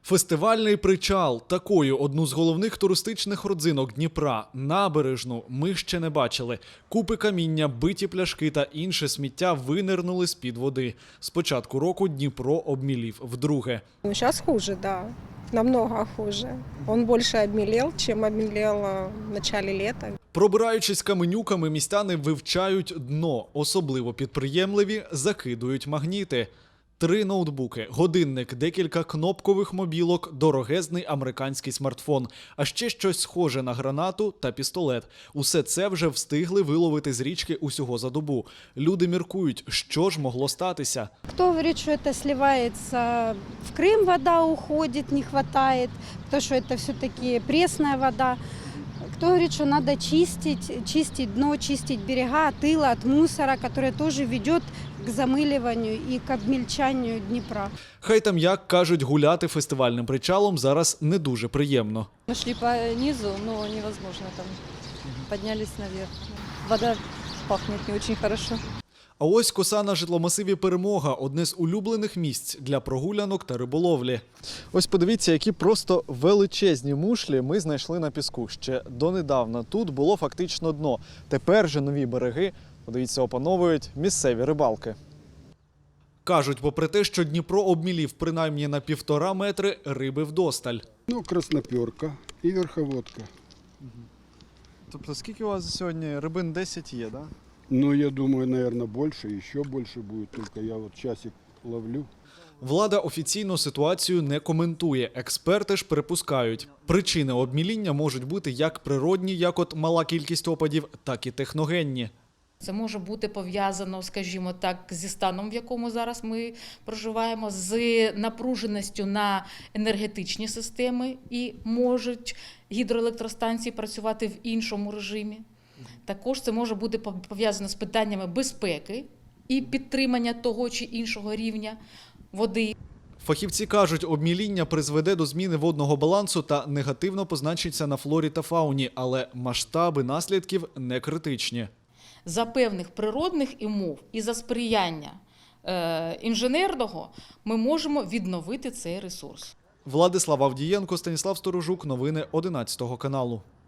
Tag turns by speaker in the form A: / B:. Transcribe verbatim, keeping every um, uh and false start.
A: Фестивальний причал – такою одну з головних туристичних родзинок Дніпра. Набережну ми ще не бачили. Купи каміння, биті пляшки та інше сміття винирнули з-під води. З початку року Дніпро обмілів вдруге.
B: Ну, сейчас хуже, да. Намного хуже. Он больше обмелел, чем обмелел э, в начале лета.
A: Пробираючись каменюками, містяни вивчають дно. Особливо підприємливі закидують магніти. Три ноутбуки, годинник, декілька кнопкових мобілок, дорогезний американський смартфон, а ще щось схоже на гранату та пістолет. Усе це вже встигли виловити з річки усього за добу. Люди міркують, що ж могло статися.
C: Кто говорит, что это сливается в Крым, вода уходит, не хватает, кто что это все-таки пресная вода. Кто говорит, что надо чистить, чистить дно, чистить берега от ила, от мусора, который тоже ведет к замыливанию и к обмельчанию Днепра.
A: Хай там як, кажуть, гуляти фестивальним причалом зараз не дуже приємно.
D: Мы шли по низу, но невозможно там. Поднялись наверх. Вода пахнет не очень хорошо.
A: А ось коса на житломасиві «Перемога» – одне з улюблених місць для прогулянок та риболовлі. Ось подивіться, які просто величезні мушлі ми знайшли на піску. Ще донедавна тут було фактично дно. Тепер же нові береги, подивіться, опановують місцеві рибалки. Кажуть, попри те, що Дніпро обмілів принаймні на півтора метри, риби вдосталь.
E: Ну, красноперка и верховодка.
A: Тобто скільки у вас сьогодні рибин десять є, так?
E: Ну, я думаю, наверное, больше, еще больше будет. Только я вот часик ловлю.
A: Влада офіційно ситуацію не коментує. Експерти ж припускають, причини обміління можуть бути як природні, як от мала кількість опадів, так і техногенні.
F: Це може бути пов'язано, скажімо так, зі станом, в якому зараз ми проживаємо, з напруженістю на енергетичні системи і можуть гідроелектростанції працювати в іншому режимі. Також це може бути пов'язано з питаннями безпеки і підтримання того чи іншого рівня води.
A: Фахівці кажуть, обміління призведе до зміни водного балансу та негативно позначиться на флорі та фауні, але масштаби наслідків не критичні.
F: За певних природних умов і за сприяння е, інженерного ми можемо відновити цей ресурс.
A: Владислав Авдієнко, Станіслав Сторожук. Новини одинадцятого каналу.